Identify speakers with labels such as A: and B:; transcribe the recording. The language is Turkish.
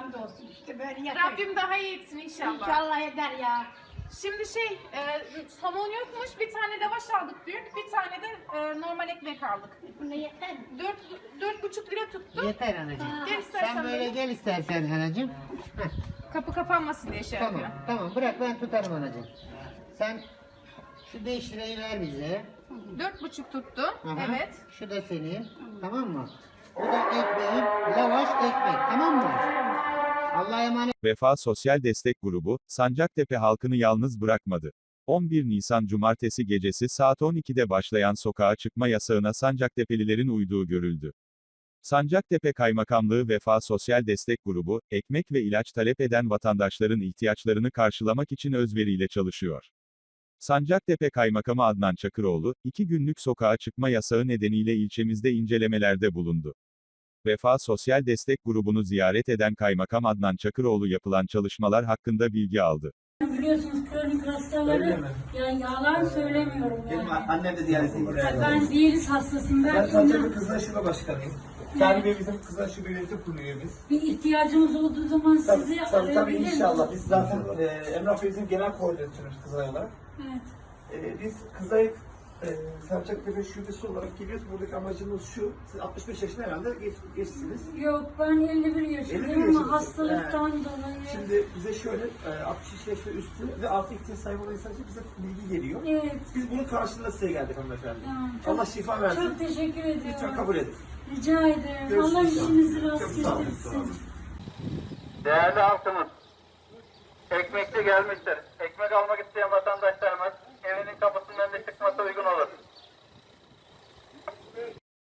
A: Hamdolsun işte böyle yaşıyor.
B: Rabbim daha iyi etsin inşallah.
A: İnşallah eder ya.
B: Şimdi somon yokmuş, bir tane lavaş aldık büyük, bir tane de normal ekmek aldık.
A: Buna yeter mi?
B: 4,5 lira tuttu.
C: Yeter anacığım.
B: Gel istersen
C: Sen böyle gel istersen anacığım. Heh,
B: Kapı kapanmasın diye şey
C: tamam
B: yapıyor.
C: tamam bırak ben tutarım anacığım. Sen şu 5 lirayı ver bize.
B: 4,5 tuttu.
C: Aha,
B: Evet.
C: Şu da senin. Tamam mı? Bu da ekmeğin. Lavaş ekmek. Tamam mı? Allah'a emanet.
D: Vefa Sosyal Destek Grubu, Sancaktepe halkını yalnız bırakmadı. 11 Nisan Cumartesi gecesi saat 12'de başlayan sokağa çıkma yasağına Sancaktepe'lilerin uyduğu görüldü. Sancaktepe Kaymakamlığı Vefa Sosyal Destek Grubu, ekmek ve ilaç talep eden vatandaşların ihtiyaçlarını karşılamak için özveriyle çalışıyor. Sancaktepe Kaymakamı Adnan Çakıroğlu, 2 günlük sokağa çıkma yasağı nedeniyle ilçemizde incelemelerde bulundu. Vefa Sosyal Destek Grubu'nu ziyaret eden Kaymakam Adnan Çakıroğlu yapılan çalışmalar hakkında bilgi aldı.
E: Biliyorsunuz kronik hastaları, yani yalan söylemiyorum
F: Benim
E: yani.
F: annem de diyalize girer.
E: Ben diyaliz hastasıyım.
F: Ben
E: Ben
F: Sancaktepe Kızlar Şube Başkanıyım. Salim Bey bizim Kızlar Şube Yönetim Kurulu üyemiz.
E: bir ihtiyacımız olduğu zaman sizi
F: Tabii
E: arayabilir miyim?
F: inşallah. Biz zaten Emrah Bey bizim genel koordinatörümüz Kızılay olarak.
E: Evet.
F: Biz Kızılay Sancaktepe Şubesi olarak geliyoruz. Buradaki amacımız şu. Siz 65 yaşında herhalde geçsiniz.
E: Yok, ben 51 yaşındayım
F: yaşındasın.
E: ama hastalıktan dolayı.
F: Şimdi bize şöyle 60 yaş ve üstü ve altı ihtiyaç sahibi olan insan için bize bilgi geliyor.
E: Evet.
F: Biz bunun karşılığında size geldik hanımefendi.
E: Tamam, çok-
F: Allah şifa versin.
E: Çok teşekkür ediyorum.
F: Lütfen kabul edin.
E: Rica ederim.
F: Görüşürüz
E: Allah
F: inşallah.
E: işinizi
F: Çok
E: rast
F: sağ olun,
E: getirsin.
F: sağ olun.
G: Değerli halkımız, ekmekçi gelmiştir. Ekmek almak isteyen vatandaşlarımız evinin kapısının önünde